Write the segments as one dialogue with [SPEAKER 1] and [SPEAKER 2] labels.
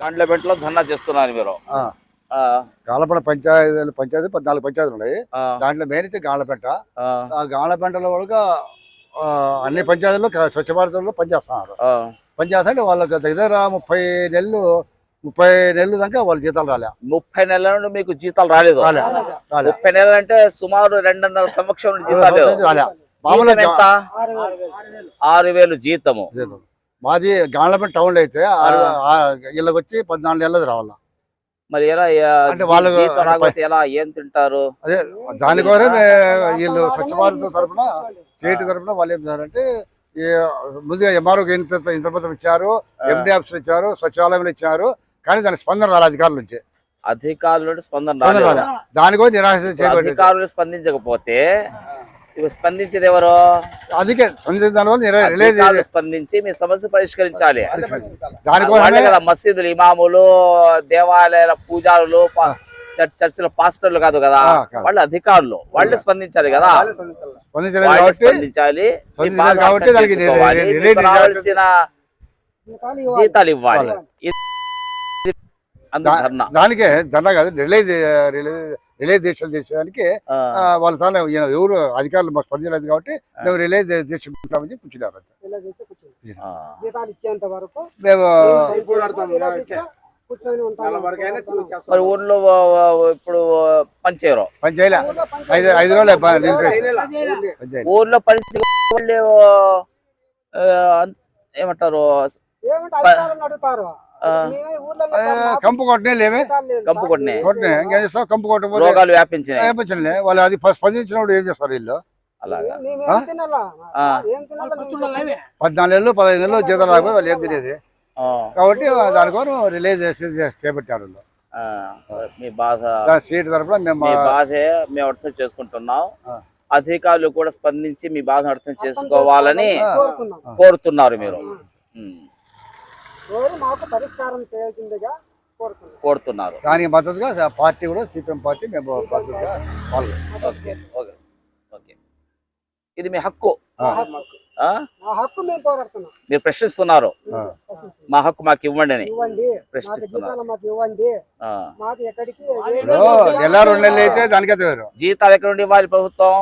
[SPEAKER 1] గాండ్లపేటలో ధర్నా చేస్తున్నారు మీరు.
[SPEAKER 2] గాలపేట పంచాయతీ 14 పంచాయతీలు ఉన్నాయి. దాంట్లో మెయిన్ అయితే గాలపేట. గాలపేటలో కూడా అన్ని పంచాయతీల్లో స్వచ్ఛ భారత్లో పనిచేస్తున్నారు. పనిచేస్తుంటే వాళ్ళకి దగ్గర 30 నెలలు దాకా వాళ్ళ జీతాలు రాలే.
[SPEAKER 1] 30 నెలల నుండి మీకు జీతాలు రాలేదు? 30 నెలలు అంటే సుమారు 2.5 సంవత్సరం జీతాలు
[SPEAKER 2] రాలే.
[SPEAKER 1] 6,000 జీతము.
[SPEAKER 2] మాది గాలపేట టౌన్ లో అయితే వీళ్ళకి వచ్చి 14 నెలలు రావాలా.
[SPEAKER 1] మరి ఎలా అంటే వాళ్ళు ఎలా ఏం తింటారు?
[SPEAKER 2] అదే దానికోసం వీళ్ళు స్వచ్ఛ భారత్ తరఫున స్టేట్ తరఫున వాళ్ళు ఏం చేశారంటే ముందుగా ఎంఆర్ఓకి ఇంద్రపత్రం ఇచ్చారు, ఎండి ఆఫీసులు ఇచ్చారు, సచివాలయంలో ఇచ్చారు. కానీ దానికి స్పందన రాలే అధికారుల నుంచి.
[SPEAKER 1] అధికారులు స్పందన రాలే.
[SPEAKER 2] దానికోసం నిరాశ
[SPEAKER 1] అధికారులు స్పందించకపోతే స్పందించేది ఎవరు?
[SPEAKER 2] అందుకే
[SPEAKER 1] స్పందించి మీ సమస్య పరిష్కరించాలి. దానికోసం మసీదులు, ఇమాములు, దేవాలయాల పూజారులు, చర్చిల పాస్టర్లు కాదు కదా, వాళ్ళు అధికారులు, వాళ్ళు స్పందించాలి కదా. స్పందించాలి, రావాల్సిన జీతాలు ఇవ్వాలి.
[SPEAKER 2] దానికే ధర్నా కాదు, రిలే దీక్షలు చేసేదానికి వాళ్ళ తాను ఎవరు అధికారులు మాకు స్పందించలేదు కాబట్టి మేము రిలే దీక్ష కూర్చున్నామని కూర్చున్నారు. మేము
[SPEAKER 1] మరి ఊర్లో ఇప్పుడు పని చేయరు?
[SPEAKER 2] పని చేయలే, 5 రోజులు
[SPEAKER 1] ఊర్లో పని ఏమంటారు,
[SPEAKER 2] కంపు కొట్టనే లేవే.
[SPEAKER 1] కంపు కొట్టినే
[SPEAKER 2] ఇంకేం చేస్తాం? కంపు కొట్టకపోతే
[SPEAKER 1] రోగాలు వ్యాపించినాయి.
[SPEAKER 2] వాళ్ళు అది స్పందించినప్పుడు ఏం చేస్తారు వీళ్ళు?
[SPEAKER 1] అలాగా
[SPEAKER 2] 14 నెలలు 15 నెలలు జీతం రాకపోతే వాళ్ళు ఏం తినేది. కాబట్టి దానికోసం రిలీజ్ చేపట్టారు.
[SPEAKER 1] మీ బాధ
[SPEAKER 2] సీట్ తరఫున మేము
[SPEAKER 1] బాధే మేము అర్థం చేసుకుంటున్నాం. అధికారులు కూడా స్పందించి మీ బాధను అర్థం చేసుకోవాలని కోరుతున్నారు మీరు. కోరుతున్నారు.
[SPEAKER 2] దానికి మద్దతుగా పార్టీ కూడా సిపిఎం పార్టీ మేము మద్దతుగా
[SPEAKER 1] ఇది మీ హక్కు. మీరు ప్రశ్నిస్తున్నారు, మా హక్కు మాకు ఇవ్వండి అని ప్రశ్నిస్తున్నారు.
[SPEAKER 2] నెల 2 నెలలు అయితే దానికైతే
[SPEAKER 1] జీతాలు ఎక్కడ నుండి ఇవ్వాలి? ప్రభుత్వం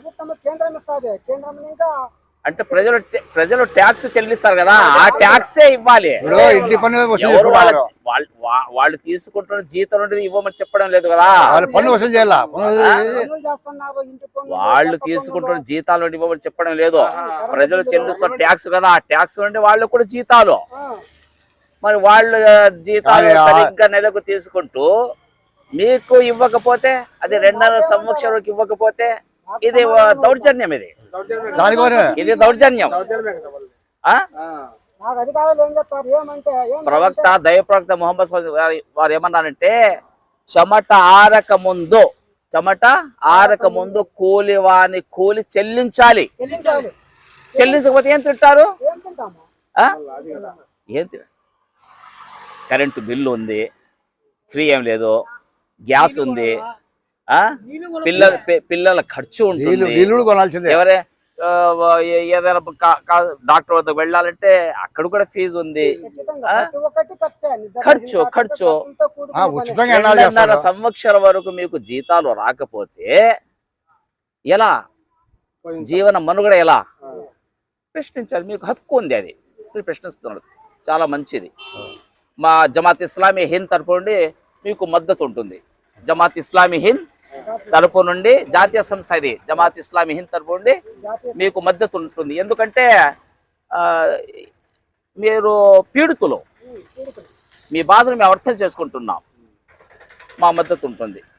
[SPEAKER 1] అంటే ప్రజలు ట్యాక్స్ చెల్లిస్తారు కదా, ఆ ట్యాక్సే ఇవ్వాలి.
[SPEAKER 2] ఇంటి పన్ను
[SPEAKER 1] వాళ్ళు తీసుకుంటున్న జీతం నుండి ఇవ్వమని చెప్పడం లేదు కదా,
[SPEAKER 2] పన్ను వసూలు చేయాలి.
[SPEAKER 1] వాళ్ళు తీసుకుంటున్న జీతాల నుండి ఇవ్వమని చెప్పడం లేదు. ప్రజలు చెల్లిస్తున్న ట్యాక్స్ కదా, ఆ ట్యాక్స్ నుండి వాళ్ళు కూడా జీతాలు. మరి వాళ్ళు జీతాలు సరిగ్గా నెలకు తీసుకుంటూ మీకు ఇవ్వకపోతే, అది 2.5 సంవత్సరాలకు ఇవ్వకపోతే ఇది దౌర్జన్యం. ఇది దౌర్జన్యం. ప్రవక్త దైవప్రవక్త ముహమ్మద్ వారు ఏమన్నారంటే, చెమట ఆరక ముందు కూలివాని కూలి చెల్లించాలి. చెల్లించకపోతే ఏం తింటారు? ఏం కరెంటు బిల్లు ఉంది, ఫ్రీ ఏం లేదు, గ్యాస్ ఉంది, పిల్లల ఖర్చు ఉంటుంది. ఎవరే ఏదైనా డాక్టర్ వద్దకు వెళ్ళాలంటే అక్కడ కూడా ఫీజు ఉంది, ఖర్చు. 2.5 సంవత్సరం వరకు మీకు జీతాలు రాకపోతే ఎలా జీవన మనుగడ? ఎలా ప్రశ్నించాలి? మీకు హక్కు ఉంది, అది మీరు ప్రశ్నిస్తున్నారు. చాలా మంచిది. మా జమాత్ ఇస్లామీ హింద్ తరపు నుండి మీకు మద్దతు ఉంటుంది. జమాత్ ఇస్లామీ హింద్ తరపు నుండి, జాతీయ సంస్థ ఇది, జమాత్ ఇస్లామీ హింద్ తరపు నుండి మీకు మద్దతు ఉంటుంది. ఎందుకంటే మీరు పీడితులు, మీ బాధను మేము అర్థం చేసుకుంటున్నాం, మా మద్దతు ఉంటుంది.